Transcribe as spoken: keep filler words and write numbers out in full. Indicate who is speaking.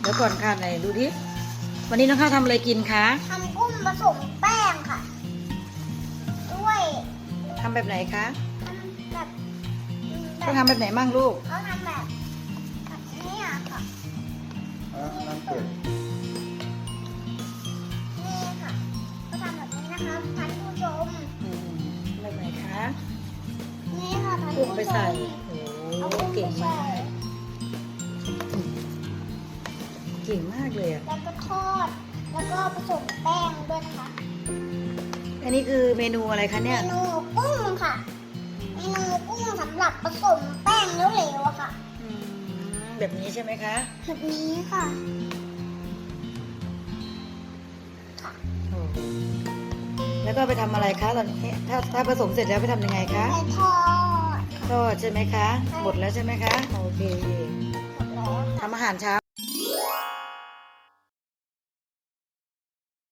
Speaker 1: ดี๋ยวก่อนค่ะไหนดูดิวันนี้น้องข้าวทำอะไรกินคะ
Speaker 2: ทำกุ้งผสมแป้งค่ะด้วย
Speaker 1: ทำแบบไหนคะ
Speaker 2: ทำแบบ
Speaker 1: เขาทำแบบไหนมั่งลูก
Speaker 2: เขาทำแบบแบบนี้อะค่ะ
Speaker 3: อ่ะน้ำเป็ด
Speaker 2: นี่ค่ะเขาทำแบบนี้นะคะท่านผู้ชม
Speaker 1: อืมแบบไหนคะ
Speaker 2: นี่ค่ะท่าน
Speaker 1: กุ้ง
Speaker 2: ผู้ชม
Speaker 1: ไปใส่โอ้
Speaker 2: เอา
Speaker 1: โห
Speaker 2: กุ้ง
Speaker 1: เก่ง
Speaker 2: ไป
Speaker 1: มา
Speaker 2: ใส่
Speaker 1: กเก่งมากเลยอ่ะ
Speaker 2: แล้วก็ทอดแล้วก็ผสมแป้งด้วยนะคะ
Speaker 1: อันนี้คือเมนูอะไรคะ
Speaker 2: เม
Speaker 1: เนี่ย
Speaker 2: นูกุ้งค่ะเมนูกุ้งสำหรับผสมแป้งเหลวๆอะค่ะ
Speaker 1: อืมแบบนี้ใช่ไหมคะ
Speaker 2: แบบนี้ค่ะค่ะ
Speaker 1: โอ้แล้วก็ไปทำอะไรคะตอนนี้ถ้าถ้าผสมเสร็จแล้วไปทำยังไงคะ
Speaker 2: ไปทอด
Speaker 1: ทอดใช่ไหมคะหมดแล้วใช่ไหมคะโอเค
Speaker 2: หมดแล้วค่ะ
Speaker 1: ทำอาหารเช้า